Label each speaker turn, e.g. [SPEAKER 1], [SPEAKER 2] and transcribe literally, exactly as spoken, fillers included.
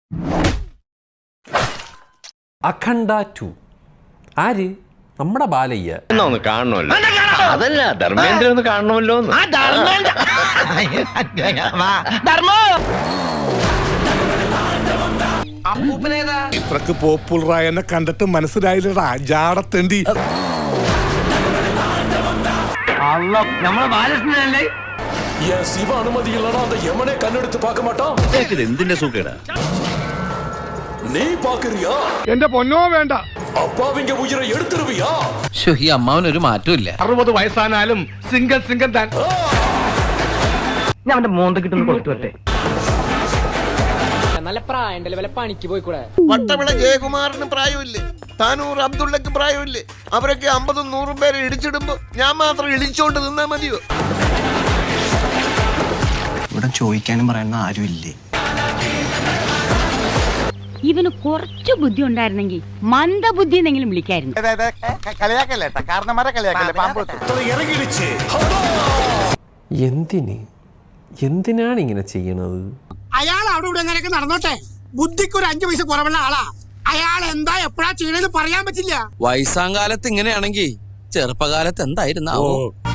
[SPEAKER 1] അഖണ്ഡ ടു ആര്? നമ്മുടെ ബാലയ്യ.
[SPEAKER 2] ഒന്ന് കാണണമല്ലോ. അതല്ല, ധർമ്മേന്ദ്ര ഒന്ന് കാണണമല്ലോ.
[SPEAKER 3] ഇത്രക്ക് പോപ്പുലറായ എന്നെ കണ്ടിട്ട് മനസ്സിലായില്ലടാ ജാടത്തേണ്ടി.
[SPEAKER 2] നമ്മളെ ബാലകൃഷ്ണനല്ലേ?
[SPEAKER 4] யமனே கண்ணெடுத்து பார்க்க மாட்டான்.
[SPEAKER 2] എന്തിന്റെ സുഖേടാ
[SPEAKER 4] நீ பாக்குறியா?
[SPEAKER 3] എന്റെ പൊന്നോ വേണ്ട.
[SPEAKER 4] അപ്പാവിന്റെ ഉയിരെ എടുത്തിരുവിയാ?
[SPEAKER 5] ഈ അമ്മാവനൊരു മാറ്റമില്ല.
[SPEAKER 3] അറുപത് വയസ്സാനാലും സിംഗൽ സിംഗൽ താൻ.
[SPEAKER 2] ഞാൻ അവന്റെ മോന്ത കിട്ടുന്ന കൊടുത്തു വരട്ടെ.
[SPEAKER 6] നല്ല പ്രായണ്ടല്ലേ, വല്ല പണിക്ക് പോയിക്കൂടെ?
[SPEAKER 7] വട്ടവിള ജയകുമാറിന് പ്രായമില്ലേ? താനൂർ അബ്ദുള്ളക്ക് പ്രായമില്ലേ? അവരൊക്കെ അമ്പതും നൂറും പേരെ ഇടിച്ചിടുമ്പോ ഞാൻ മാത്രം ഇടിച്ചോണ്ട് നിന്നാ മതിയോ?
[SPEAKER 8] ഇവിടെ ചോദിക്കാനും പറയാനും ആരുമില്ലേ?
[SPEAKER 9] ഇവന് കുറച്ചു ബുദ്ധി ഉണ്ടായിരുന്നെങ്കിൽ മന്ദബുദ്ധി എന്നെങ്കിലും വിളിക്കായിരുന്നു.
[SPEAKER 1] എന്തിന് എന്തിനാണ് ഇങ്ങനെ ചെയ്യണത്?
[SPEAKER 10] അയാൾ അവിടെ ഇവിടെ എങ്ങനെയൊക്കെ നടന്നോട്ടെ, ബുദ്ധിക്ക് ഒരു അഞ്ചു പൈസ കുറവുള്ള ആളാ. അയാൾ എന്താ എപ്പോഴാ ചെയ്യണെന്ന് പറയാൻ പറ്റില്ല.
[SPEAKER 5] വയസ്സാം കാലത്ത് ഇങ്ങനെയാണെങ്കിൽ ചെറുപ്പകാലത്ത് എന്തായിരുന്നാവോ?